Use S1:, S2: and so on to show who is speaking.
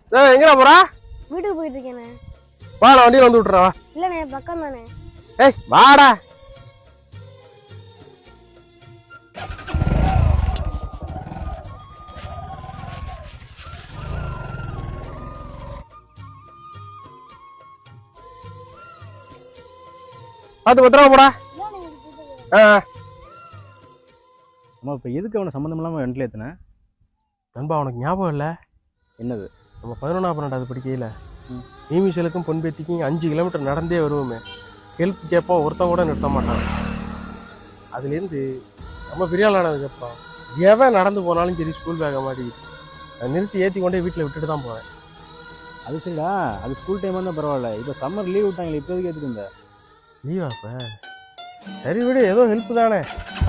S1: எங்கடா போறா?
S2: வீட்டுக்கு போயிட்டு இருக்கேண்ணே.
S1: வா, நான் வண்டியில வந்து விட்டுறேன்.
S2: இல்லண்ணே, பக்கம் தானே.
S1: ஏய் வாடா. பார்த்து பத்திரமா போடா.
S3: அம்மா இப்போ எதுக்கு அவனை சம்மந்தம் இல்லாமல் வண்டியில் ஏற்றினேன்?
S1: நண்பா, உனக்கு ஞாபகம் இல்லை?
S3: என்னது?
S1: நம்ம 11ஆம் படிக்கையில் மீமிசலுக்கும் பொன்பேத்திக்கும் 5 கிலோமீட்டர் நடந்தே வருவோமே. ஹெல்ப் கேட்போம், ஒருத்தன் கூட நிறுத்த மாட்டான். அதுலேருந்து நம்ம பெரிய ஆள் ஆனதுக்கப்புறம் எவன் நடந்து போனாலும் சரி ஸ்கூல் பேக்கை மாட்டிக்கிட்டு நான் நிறுத்தி ஏற்றி கொண்டே வீட்டில் விட்டுட்டு தான் போவேன்.
S3: அது சரிடா, அது ஸ்கூல் டைமாக இருந்தால் பரவாயில்ல. இப்போ சம்மர் லீவ் விட்டாங்களே, இப்போ எதுக்கு ஏற்றுட்டு இருந்த?
S1: லீவா இப்போ? சரி விடு, ஏதோ ஹெல்ப் தானே.